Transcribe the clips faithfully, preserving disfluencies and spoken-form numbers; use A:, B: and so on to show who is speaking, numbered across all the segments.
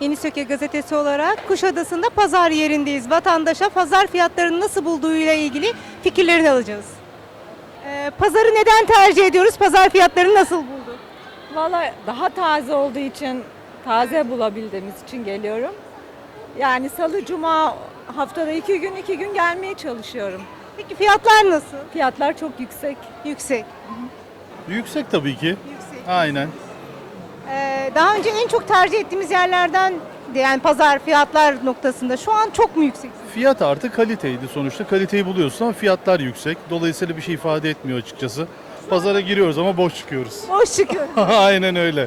A: Yeni Söke gazetesi olarak Kuşadası'nda pazar yerindeyiz. Vatandaşa pazar fiyatlarını nasıl bulduğuyla ilgili fikirlerini alacağız. Ee, pazarı neden tercih ediyoruz? Pazar fiyatlarını nasıl bulduk?
B: Valla daha taze olduğu için, taze bulabildiğimiz için geliyorum. Yani salı, cuma haftada iki gün, iki gün gelmeye çalışıyorum.
A: Peki fiyatlar nasıl?
B: Fiyatlar çok yüksek.
A: Yüksek.
C: Yüksek tabii ki.
A: Yüksek.
C: Aynen.
A: Ee, daha önce en çok tercih ettiğimiz yerlerden yani pazar fiyatlar noktasında şu an çok mu yüksek?
C: Fiyat artı kaliteydi sonuçta. Kaliteyi buluyorsun ama fiyatlar yüksek. Dolayısıyla bir şey ifade etmiyor açıkçası. Pazara giriyoruz ama boş çıkıyoruz.
A: Boş çıkıyor.
C: Aynen öyle.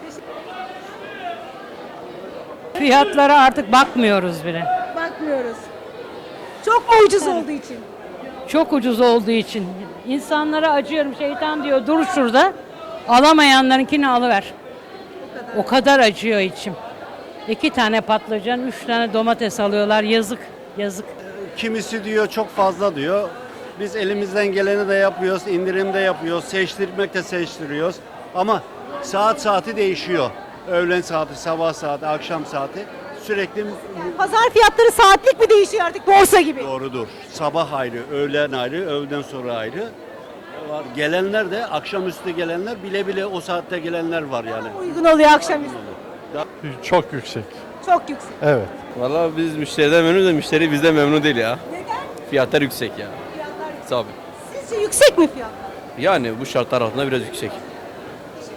D: Fiyatlara artık bakmıyoruz bile.
A: Bakmıyoruz. Çok mu ucuz olduğu için?
D: Çok ucuz olduğu için. İnsanlara acıyorum. Şeytan diyor dur şurada. Alamayanlarınkini alıver. O kadar. O kadar acıyor içim. İki tane patlıcan, üç tane domates alıyorlar. Yazık, yazık.
E: Kimisi diyor çok fazla diyor. Biz elimizden geleni de yapıyoruz, indirim de yapıyoruz, seçtirmek de seçtiriyoruz. Ama saat saati değişiyor. Öğlen saati, sabah saati, akşam saati sürekli
A: Pazar fiyatları saatlik mi değişiyor artık borsa gibi?
E: doğrudur. Sabah ayrı, öğlen ayrı, öğleden sonra ayrı. Var. Gelenler de akşamüstü gelenler bile bile o saatte gelenler var yani.
A: Uygun oluyor akşamüstü.
C: Çok yüksek.
A: Çok yüksek.
C: Evet.
F: Valla biz müşteriden memnunuz da müşteri bizden memnun değil ya.
A: Neden?
F: Fiyatlar yüksek ya.
A: Fiyatlar yüksek.
F: Tabii.
A: Sizce yüksek mi fiyatlar?
F: Yani bu şartlar altında biraz yüksek.